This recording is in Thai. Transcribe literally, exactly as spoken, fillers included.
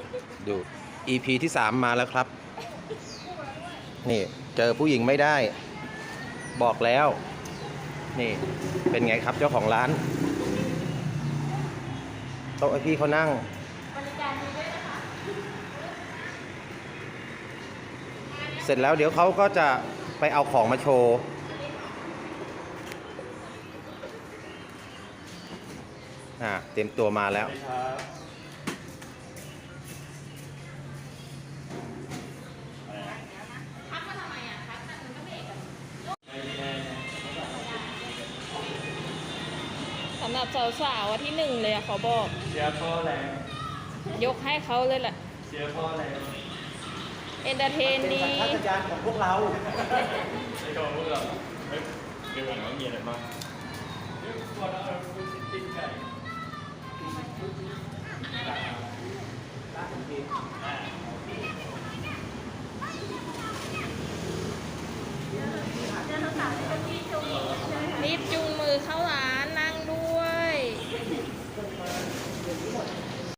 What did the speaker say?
ดู อี พี ที่สามมาแล้วครับนี่เจอผู้หญิงไม่ได้บอกแล้วนี่เป็นไงครับเจ้าของร้านโต๊ะไอพี่เขานั่งบริการดีด้วยนะคะเสร็จแล้วเดี๋ยวเขาก็จะไปเอาของมาโชว์อ่าเตรียมตัวมาแล้วสำหรับสาวๆวันที่หนึ่งเลยอะเขาบอกเชียร์พ่อแรงยกให้เขาเลยแหละเชียร์พ่อแรงเอนเตอร์เทนดีเป็นสัญชาตญาณของพวกเราไม่ชอบพวกเราเฮ้ยเดี๋ยวก่อนว่ามีอะไรบ้างเดี๋ยวก่อนเราพูดติ้งไก่